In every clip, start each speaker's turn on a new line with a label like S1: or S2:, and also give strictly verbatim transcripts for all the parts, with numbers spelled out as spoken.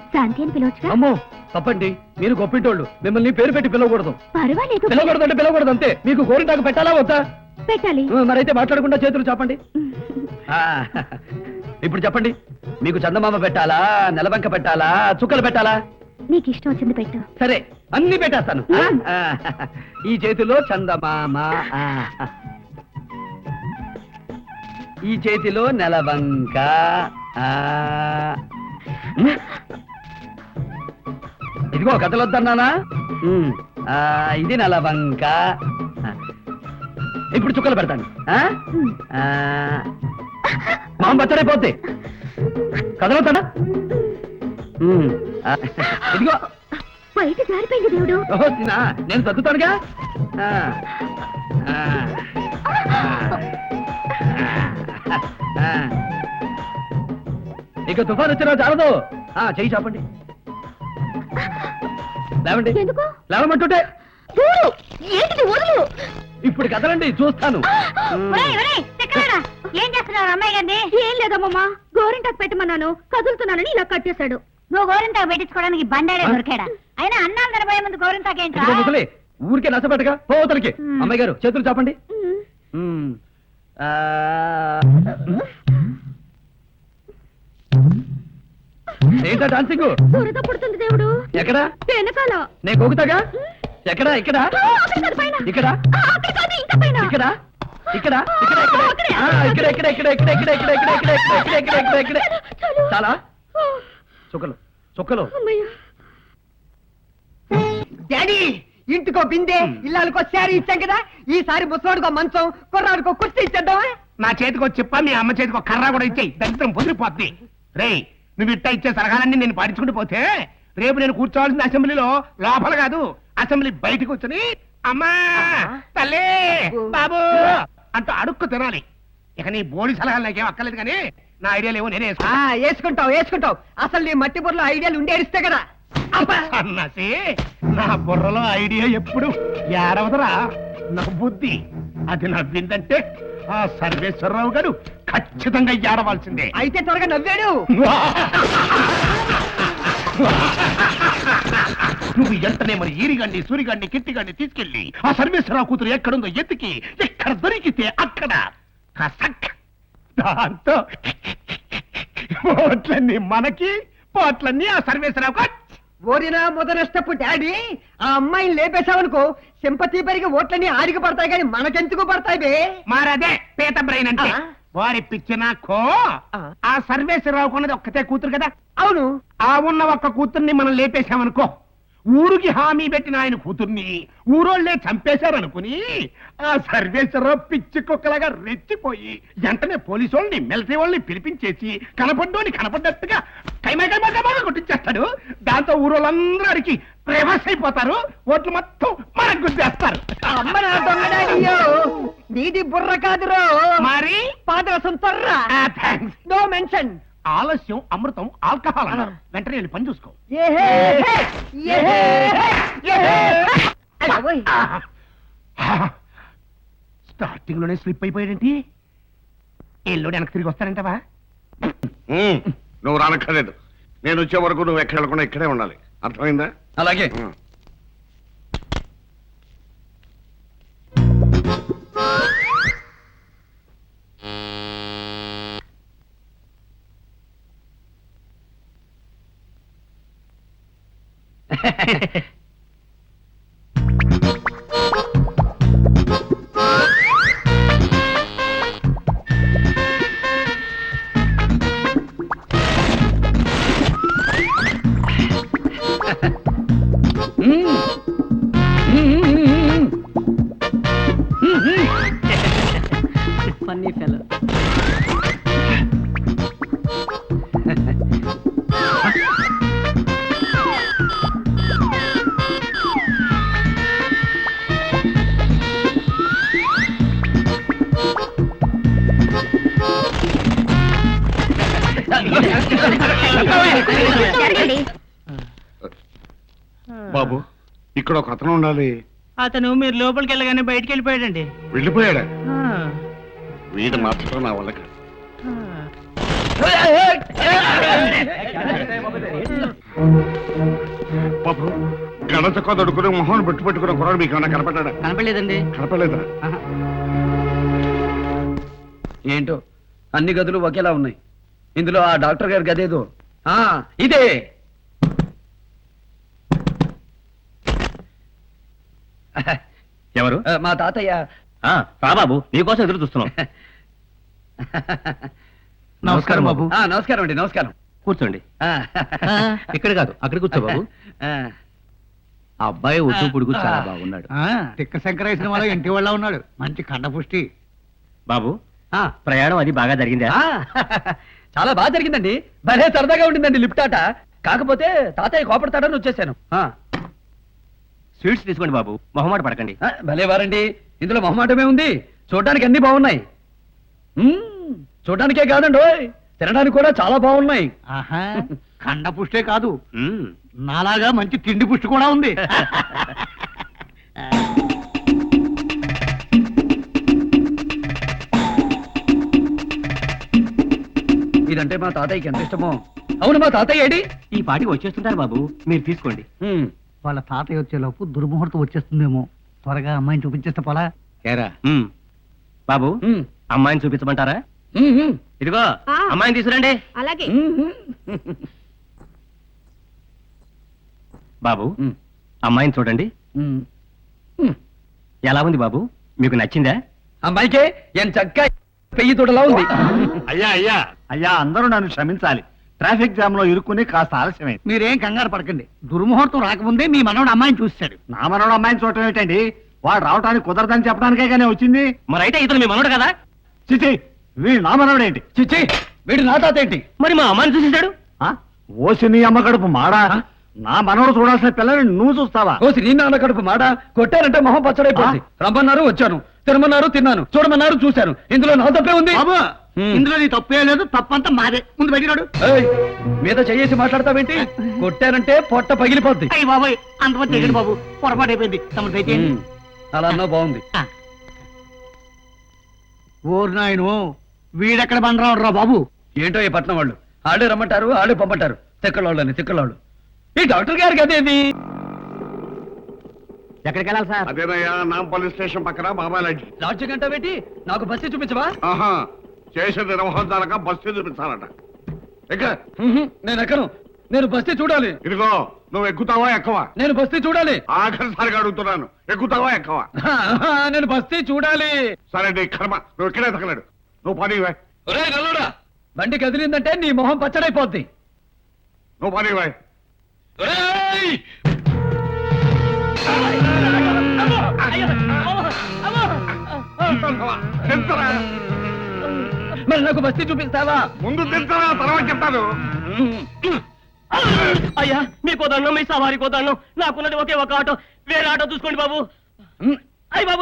S1: శాంతి అని పిలవచ్చుగా?
S2: అమ్మో తప్పండి, మీరు గొప్పింటోళ్ళు, మిమ్మల్ని పేరు పెట్టి పిలవకూడదు.
S1: పర్వాలేదు,
S2: పిలవకూడదు అంటే పిలవకూడదు అంతే. మీకు గోరింటాకు పెట్టాలా వద్దా?
S1: పెట్టాలి.
S2: మరైతే మాట్లాడకుండా చేతులు చెప్పండి. ఇప్పుడు చెప్పండి, మీకు చందమామ పెట్టాలా, నెలబంక పెట్టాలా, చుక్కలు పెట్టాలా?
S1: నీకు ఇష్టం వచ్చింది పెట్టు.
S2: సరే, అన్ని పెట్టేస్తాను. ఈ చేతిలో చందమామ, ఈ చేతిలో నెలబంక, ఇదిగో కథలు వద్దన్నానా? ఇది నెలబంక. ఇప్పుడు చుక్కలు పెడతాను. మామ బచ్చడైపోద్ది, కదలవుతాడా? ఇదిగో
S1: బయట జారిపోయింది దేవుడు.
S2: నేను సర్దుతానుగా. ఇక తుఫాన్ వచ్చినా చాలదు. చెయ్యి చాపండి. లేవండి. లేవమంటుంటే ఇప్పుడు కదలండి, చూస్తాను.
S1: ఏం చేస్తున్నారు అమ్మాయి గారిని? ఏం లేదమ్మా, గోరింటాకు పెట్టమన్నాను, కదులుతున్నానని ఇలా కట్టేశాడు. నువ్వు గోరింటాకు పెట్టించుకోవడానికి బండారే దొరికాడా? అయినా అన్నాలు తినబోయే ముందు గోరింటాకు ఏంటి?
S2: ఊరికే నచ్చబెట్టగా పోతలకి. అమ్మాయి గారు చేతులు చాపండి. ఏంటా డాన్సింగ్?
S1: దురద పుడుతుంది దేవుడు.
S2: ఎక్కడా?
S1: వెనకాల.
S2: నేను గోగుతాగా. ఎక్కడా? ఇక్కడ ఇక్కడ ఇక్కడ ఇక్కడ ఇక్కడ ఇక్కడ ఇక్కడ ఇక్కడ ఇక్కడ ఇక్కడ ఇక్కడ ఇక్కడ ఇక్కడ ఇక్కడ ఇక్కడ ఇక్కడ చాలా చుక్కలు చుక్కలు.
S3: డాడీ, ఇంటికో బిందె, ఇల్లాలకో శారీ ఇచ్చాం కదా, ఈసారి ముసలాడుకో మంచం, కుర్రాడుకో కుర్చీ ఇచ్చేద్దామా?
S4: నా చేతికో చెప్ప, మీ అమ్మ చేతికో కర్ర కూడా ఇచ్చేయి. దరిద్రం పొదిరిపోద్ది. రే, నువ్వు ఇట్టా ఇచ్చే సలహాలన్నీ నేను పాటించుకుంటూ పోతే రేపు నేను కూర్చోవాల్సిన అసెంబ్లీలో లోపల కాదు, అసెంబ్లీ బయటకు వచ్చి అమ్మా తల్లి బాబు అంటూ అడుక్కు తినాలి. ఇక నీ బోడి సలహాలు నాకేం అక్కర్లేదు, కానీ నా ఐడియాలు ఏవో నేనే
S3: వేసుకుంటావు వేసుకుంటావు అసలు నీ మట్టి బుర్రలో ఐడియాలు ఉండేరిస్తే కదా.
S4: అన్నసి నా బుర్రలో ఐడియా ఎప్పుడు ఏడవదరా, నా బుద్ధి అది నవ్విందంటే ఆ సర్వేశ్వరరావు గారు ఖచ్చితంగా ఏడవలసిందే.
S3: అయితే త్వరగా నవ్వాడు.
S4: నువ్వు ఎంటనే మరి ఈరిగండి, సూరిగండి, కిట్టిగండి తీసుకెళ్ళి ఆ సర్వేశ్వరరావు కూతురు ఎక్కడుందో ఎత్తికి ఎక్కడ దొరికితే అక్కడ దాంతో పోట్లన్నీ మనకి, పోట్లన్నీ ఆ సర్వేశ్వరరావు.
S3: ఓరినా మొదనష్టపు డాడీ, ఆ అమ్మాయిని లేపేశావనుకో సింపతి పెరిగి ఓట్లన్నీ ఆడికి పడతాయి, కానీ మనకెందుకు పడతాయి బే?
S4: మారదే పేత బ్రెయిన్ అంటే. వారి పిచ్చినాకో ఆ సర్వేశ్వరరావు కొన్నది ఒక్కతే కూతురు కదా.
S3: అవును,
S4: ఆ ఉన్న ఒక్క కూతుర్ని మనం లేపేశామనుకో, ఊరికి హామీ పెట్టిన ఆయన కూతుర్ని ఊరోళ్లే చంపేశారనుకుని ఆ సర్వేశ్వరరావు పిచ్చి కుక్కలాగా రెచ్చిపోయి వెంటనే పోలీసు వాళ్ళని, మిలిటరీ వాళ్ళని పిలిపించేసి కనపడ్డోని కనపడ్డట్టుగా కైమా కైమా కైమాగా కొట్టించేస్తాడు. దాంతో ఊరోళ్ళందరూ అడిగి రివర్స్ అయిపోతారు, ఓట్లు మొత్తం మనకు గుర్తేస్తారు.
S3: నీది బుర్ర కాదురో,
S4: మరి
S3: పాదరసం తొర్రా. No mention.
S4: ఆలస్యం అమృతం ఆల్కహాల్ అన్నారు. వెంటనే వెళ్ళి పని చూసుకో. స్టార్టింగ్ లోనే స్లిప్ అయిపోయాడేంటి? ఎల్లుడు వెనక్కి తిరిగి వస్తానంటావా?
S5: నువ్వు రానక్కర్లేదు, నేను వచ్చే వరకు నువ్వు ఎక్కడ వెళ్ళకుండా ఇక్కడే ఉండాలి, అర్థమైందా?
S2: అలాగే.
S3: Funny fellow.
S5: బాబు, ఇక్కడ ఒక అతను ఉండాలి.
S6: అతను మీరు లోపలికి వెళ్ళగానే బయటికి వెళ్ళిపోయాడండి.
S5: వెళ్ళిపోయాడా? వీడు మార్చడం నా వల్ల కాదు. నడ చక్క దొడుకుని మొహం పెట్టు పెట్టుకున్న కుర్రాడు మీకు ఏమన్నా కనపడ్డా
S6: కనపడలేదండి
S5: కనపడలేదా?
S2: ఏంటో అన్ని గదులు ఒకేలా ఉన్నాయి. ఇందులో ఆ డాక్టర్ గారి గదేదో ఆ, ఇదే.
S7: ఎవరు?
S2: ఆ, మా తాతయ్య.
S7: ఆ, రా బాబు, నీకోసం ఎదురు చూస్తున్నాం. నమస్కారం బాబు.
S2: ఆ, నమస్కారం అండి, నమస్కారం.
S7: కూర్చోండి.
S2: ఆ,
S7: ఇక్కడ కాదు, అక్కడ కూర్చో బాబు.
S2: ఆ,
S7: ఆ అబ్బాయి ఒడ్డు పొడుగు చాలా బాగున్నాడు.
S3: తిక్క శంకరేశ్వరం వాళ్ళ ఇంటి వాళ్ళ ఉన్నాడు, మంచి కండపుష్టి.
S7: బాబు,
S2: ఆ,
S7: ప్రయాణం అది బాగా జరిగిందా?
S2: ఆ, చాలా బాగా జరిగిందండి. భలే సరదాగా ఉండిందండి లిఫ్ట్ ఆట. కాకపోతే తాతయ్య కోపడతాడని వచ్చేసాను. ఆ,
S7: స్వీట్స్ తీసుకోండి బాబు, మొహమాట పడకండి.
S2: ఆ, భలే వారండి. ఇందులో మొహమాటమే ఉంది. చూడడానికి అన్ని బాగున్నాయి. మ్మ్, చూడడానికే కాదండి ఓయ్, తినడానికి కూడా చాలా బాగున్నాయి.
S3: ఆహా, కండపుష్టే కాదు,
S7: మ్మ్.
S3: నాలాగా మంచి తిండి పుష్టి కూడా ఉంది.
S2: ఇదంటే మా తాతయ్యకి ఎంత ఇష్టమో. అవును, మా తాతయ్య ఏడి?
S7: ఈ పాటికి వచ్చేస్తుంటారు బాబు, మీరు తీసుకోండి.
S2: మ్మ్.
S3: వాళ్ళ తాతయ్య వచ్చేలోపు దుర్ముహూర్తం వచ్చేస్తుందేమో. త్వరగా అమ్మాయిని చూపించేస్తే పోలా.
S7: మ్మ్. బాబు,
S2: మ్మ్.
S7: అమ్మాయిని చూపించమంటారా?
S2: మ్మ్, మ్మ్.
S7: ఇదిగో
S1: ఆ.
S7: అమ్మాయిని తీసుకురండి.
S1: అలాగే.
S2: మ్మ్,
S7: బాబు,
S2: మ్మ్.
S7: అమ్మాయిని చూడండి.
S2: మ్మ్. మ్మ్.
S7: ఎలా ఉంది బాబు, మీకు నచ్చిందా?
S2: అమ్మాయికే ఎంత చక్క పెయ్యి తోటలా ఉంది.
S4: అయ్యా అయ్యా అయ్యా, అందరూ నన్ను క్షమించాలి. ట్రాఫిక్ జామ్ లో ఇరుక్కుని కాస్త ఆలస్యమైంది.
S3: మీరేం కంగారు పడకండి, దుర్ముహూర్తం రాకముందే మీ మనవడు అమ్మాయిని చూస్తాడు.
S4: నా మనోడు అమ్మాయిని చూడటం ఏంటండి? వాడు రావటానికి కుదరదని చెప్పడానికే కానీ వచ్చింది.
S7: మరి అయితే ఇతను మీ మనోడు కదా?
S4: చిచి, వీడు నా మనోడు ఏంటి?
S2: చిచ్చి, వీడు నా తాత ఏంటి?
S7: మరి మా అమ్మాయిని చూసేశాడు.
S4: ఆ? ఓసి నీ అమ్మ కడుపు మాడా? నా మనోడు చూడాల్సిన పిల్లని నువ్వు చూస్తావా?
S2: కోసి నీ నాన్న కడుపు మాట. కొట్టారంటే మొహం పచ్చడైపోయింది. రమ్మన్నారు వచ్చాను, తినమన్నారు తిన్నాను, చూడమన్నారు చూశాను. ఇందులో నా తప్పే ఉంది.
S3: బాబు,
S2: హ్మ్.
S3: ఇందులో నీ తప్పే లేదు, తప్పంతా మాదే. ముందు పెట్టినాడు.
S2: ఏయ్, మీద చెయ్యేసి మాట్లాడతావేంటి? కొట్టారంటే పొట్ట పగిలిపోద్ది.
S3: అయ్యి బాబాయ్, అంతమంది దిగండి బాబు, పొరపాటు అయిపోయింది. తమరు దయచేయండి.
S2: మ్మ్. అలా అన్నా బాగుంది.
S3: ఓరు నాయను, వీడెక్కడ బండరాడు రా బాబు.
S2: ఏంటో ఈ పట్నం వాళ్ళు ఆడే రమ్మంటారు, ఆడే పంపంటారు. తిక్కలోళ్ళని తిక్కలోళ్ళు. ఈ డాక్టర్ గారికి అదేది?
S6: ఎక్కడికి వెళ్ళాలి సార్?
S5: అదేనయ్యా, నాంపల్లి స్టేషన్ పక్కన బాబాయ్ లాడ్జి.
S2: లాడ్జి గంట పెట్టి నాకు బస్సు చూపించవా?
S5: ఆహా, చేసే నిర్వహించాలక బస్సు చూపించాలట. ఎక్క
S2: మ్మ్. నేను ఎక్కను. నేను బస్తీ చూడాలి.
S5: ఇదిగో, నువ్వు ఎక్కుతావా ఎక్కవా?
S2: నేను బస్తీ చూడాలి.
S5: ఆఖరిసారిగా అడుగుతున్నాను, ఎక్కుతావా ఎక్కవా?
S2: ఆహా, నేను బస్తీ చూడాలి.
S5: సరే నీ కర్మ, నువ్వు ఇక్కడే తగలడు. నువ్వు పని ఇవ్వ.
S2: ఒరేయ్ నల్లుడా, బండి కదిలిందంటే నీ మొహం పచ్చడైపోద్ది.
S5: నువ్వు పని ఇవ్వ.
S2: ఒరేయ్!
S5: తింటరా?
S2: మరి నాకు బస్తీ చూపిస్తావా?
S5: ముందు తింటరా, తర్వాత చెప్తాను.
S7: అయ్యా, మీకో దండం, మీ సవారికో దండం. నాకున్నది ఒకే ఒక ఆటో, వేరే ఆటో చూసుకోండి బాబు.
S2: మ్మ్.
S7: అయ్య బాబు,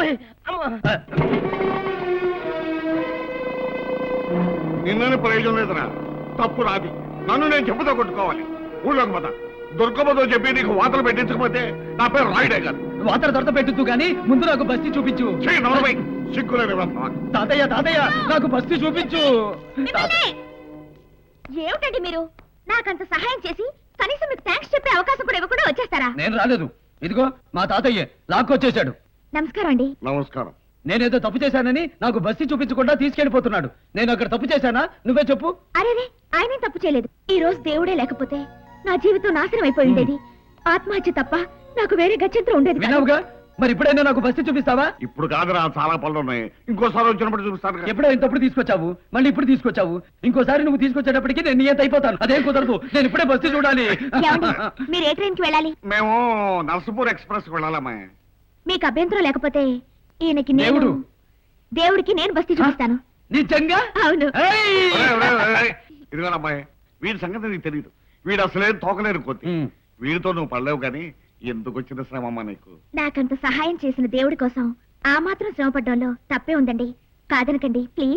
S5: నిన్నని ప్రయోజనం లేదురా, తప్పు రాది. నన్ను నేను చెప్పుతో కొట్టుకోవాలి. ఊళ్ళోకి పోతా. దుర్గమ్మతో చెప్పి నీకు వాతలు పెట్టించకపోతే నా పేరు రాయుడే కాదు.
S2: వాతర దొరత పెట్టుతూ గాని ముందు నాకు బస్తీ చూపించు.
S5: చెయ్యి నలభై సిగ్గులేని వ్యవస్థ.
S2: తాతయ్య తాతయ్య నాకు బస్తీ చూపించు.
S1: మిమ్మల్ని! ఏమిటండి మీరు నాకంత సహాయం చేసి కనీసం మీకు థ్యాంక్స్ చెప్పే అవకాశం కూడా ఇవ్వకుండా వచ్చేస్తారా?
S2: నేను రాలేదు. ఇదిగో మా తాతయ్య లాక్కొచ్చేశాడు.
S1: నమస్కారం అండి.
S5: నమస్కారం.
S2: నేనేదో తప్పు చేశానని నాకు బస్తీ చూపించకుండా తీసుకెళ్లిపోతున్నాడు. నేను అక్కడ తప్పు చేశానా? నువ్వే చెప్పు.
S1: అరేరే, ఆయనేం తప్పు చేయలేదు. ఈ రోజు దేవుడే లేకపోతే నా జీవితం నాశనం అయిపోయి ఉండేది. ఆత్మహత్య తప్ప నాకు వేరే గత్యంతరం ఉండేది కాదు.
S2: విన్నావుగా, మరి ఇప్పుడైనా నాకు బస్తీ చూపిస్తావా?
S5: ఇప్పుడు కాదురా, చాలా పనులు ఉన్నాయి. ఇంకోసారి వచ్చినప్పుడు చూపిస్తాను కదా.
S2: ఎప్పుడో ఇంతప్పుడు తీసుకొచ్చావు, మళ్ళీ ఇప్పుడు తీసుకొచ్చావు. ఇంకోసారి నువ్వు తీసుకొచ్చేటప్పటికి నేను నియంత అయిపోతాను. అదేం కుదరదు. నేను ఇప్పుడే బస్తీ చూడాలి.
S1: ఏమండి, మీరు ఏ ట్రైన్ కి వెళ్ళాలి?
S5: మేము నర్సపూర్ ఎక్స్ప్రెస్ వెళ్ళాలమ్మా.
S1: మీకు అభ్యంతరం లేకపోతే ఈయనకి నేను
S2: దేవుడు.
S1: దేవుడికి నేను బస్తీ చూపిస్తాను.
S2: నిజంగా?
S1: అవును.
S2: ఏయ్!
S5: ఒరేయ్, ఒరేయ్, ఒరేయ్, ఇదిగో అమ్మాయి, వీడి సంగతి నీకు తెలియదు. వీడు అసలే తోకలేరు కొద్ది.
S2: ఉమ్.
S5: వీడితో నువ్వు పడలేవు కానీ ఎందుకు వచ్చిన శ్రమమ్మా నీకు?
S1: నాకంత సహాయం చేసిన దేవుడి కోసం ఆ మాత్రం శ్రమపడ్డంలో తప్పే ఉందండి. కాదనకండి ప్లీజ్.